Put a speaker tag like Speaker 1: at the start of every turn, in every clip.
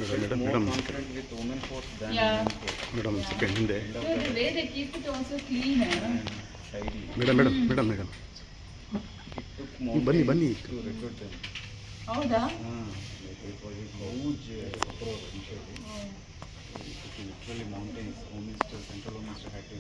Speaker 1: Madam,
Speaker 2: more confident with women force than
Speaker 3: Yeah.
Speaker 2: men force.
Speaker 1: madam, second in there.
Speaker 3: No, the way they keep it also clean.
Speaker 2: And tidy.
Speaker 1: Madam.
Speaker 2: It took
Speaker 1: Bunny.
Speaker 2: months to recruit them.
Speaker 3: ಹೌದಾ?
Speaker 2: Like it was a huge approach initially. It literally mountains. Home Minister, Central Home Minister had to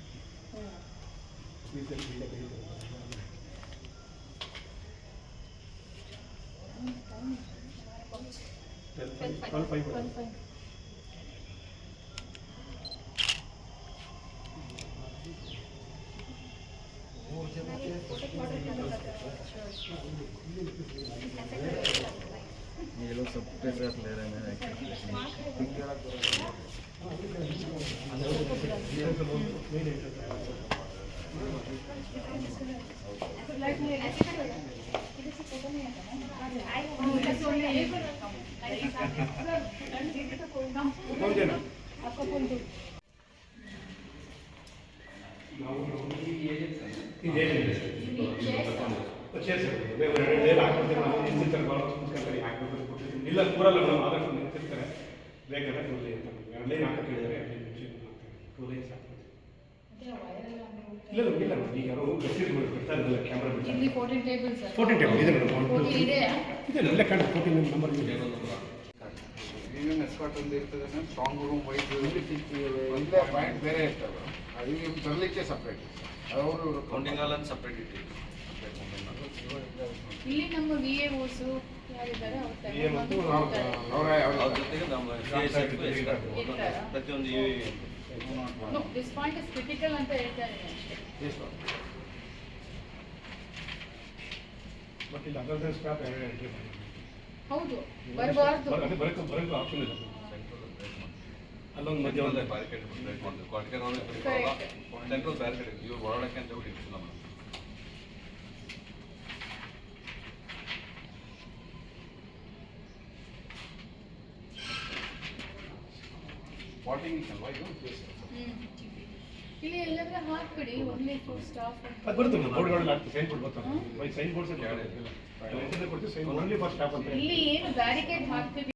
Speaker 2: ये लोग सबके साथ ले रहे हैं
Speaker 4: ಇಲ್ಲ ಕೂರಲ್ಲ madam ಆದಷ್ಟು ನಿಂತಿರ್ತಾರೆ ಬೇಕಾದ್ರೆ ಕೂರಲಿ ಅಂತ ಎರಡನೇ ಹಾಕಕ್ಕೆ ಹೇಳಿದ್ದಾರೆ ಕೂರಲಿ ಸಾಕು ಇಲ್ಲ ಈಗ ಯಾರೋ ಗಟ್ಟಿರ್ಬೋದು ಬರ್ತಾ ಇರಲಿಲ್ಲ ಕ್ಯಾಮ್ರಾ
Speaker 3: ಇಲ್ಲಿ 14 tables sir.
Speaker 4: 14 ಟೇಬಲ್ ಇದೆ ಮೇಡಮ್
Speaker 3: 14 ಇದೆಯಾ?
Speaker 4: ಇದೆ ಇಲ್ಲ ಕಾಣ 14 ನಂಬರ್ ಇದೆ
Speaker 2: ಪ್ರೀಮಿಯಂ ಎಸ್ಕಾಟ್ ಒಂದು ಇರ್ತದೆ ಸ್ಟ್ರಾಂಗ್ ರೂಮ್ ವೈಸ್
Speaker 5: ಒಂದೇ ಪಾಯಿಂಟ್ ಬೇರೆ ಇರ್ತವೆ ಅದು ಇವ್ರು ತರಲಿಕ್ಕೆ ಸಪ್ರೇಟ್ ಅವರು
Speaker 6: ಕೌಂಟಿಂಗ್ ಹಾಲ್ ಅಂತ ಸಪ್ರೇಟ್ ಇಟ್ಟಿವಿ.
Speaker 3: ಇಲ್ಲಿ ನಮ್ಮ VAOs ಯಾರಿದ್ದಾರೆ
Speaker 4: VA ಮತ್ತು
Speaker 5: ಅವರ
Speaker 6: ಅವ್ರ ಜೊತೆಗೆ ನಮ್ಮ ಪ್ರತಿಯೊಂದು
Speaker 3: No, this point is critical ಅಂತ ಹೇಳ್ತಾರೆ ಅಷ್ಟೇ.
Speaker 4: ಬಟ್ ಇಲ್ಲಿ ಅದರ್ ಸ್ಟಾಫ್ ಎಂಟ್ರಿ ಮಾಡಿ
Speaker 3: ಹೌದು ಬರಬಾರ್ದು.
Speaker 4: ಬರಕ್ಕೆ ಆಪ್ಷನ್ ಇದೆ ಅಲ್ಲೊಂದು ಮಧ್ಯ ಒಂದು
Speaker 6: ಬ್ಯಾರಿಕೇಡ್ ಬ್ರೇಕ್ ಮಾಡ್ತೀವಿ. ಕ್ವಾರ್ಟರ್ ಸೆಂಟ್ರಲ್ ಬ್ಯಾರಿಕೇಡ್ ಇವ್ರು ಒಳಗಡೆ ಅಂತ ಹೇಳಿ ಇಟ್ಟಿಲ್ಲ ಮೇಡಮ್.
Speaker 2: ವಾಟಿಂಗ್ ಅಲ್ವಾ ಇದು
Speaker 3: ಇಲ್ಲಿ ಎಲ್ಲಾದ್ರೂ ಹಾಕ್ಬಿಡಿ ಒನ್ಲಿ ಫಾರ್ ಸ್ಟಾಫ್.
Speaker 4: ಅದು ಬರುತ್ತೆ ಬೋರ್ಡ್ಗಳಲ್ಲಿ ಆಗ್ತದೆ ಸೈನ್ ಬೋರ್ಡ್ ಬರ್ತಾರೆ ಸೈನ್ ಬೋರ್ಡ್ಸ್ ಕೊಡ್ತೀವಿ ಸೈನ್ ಓನ್ಲಿ ಫಾರ್ ಸ್ಟಾಫ್ ಅಂತ
Speaker 3: ಇಲ್ಲಿ ಏನು ಬ್ಯಾರಿಕೇಡ್ ಹಾಕ್ತೀವಿ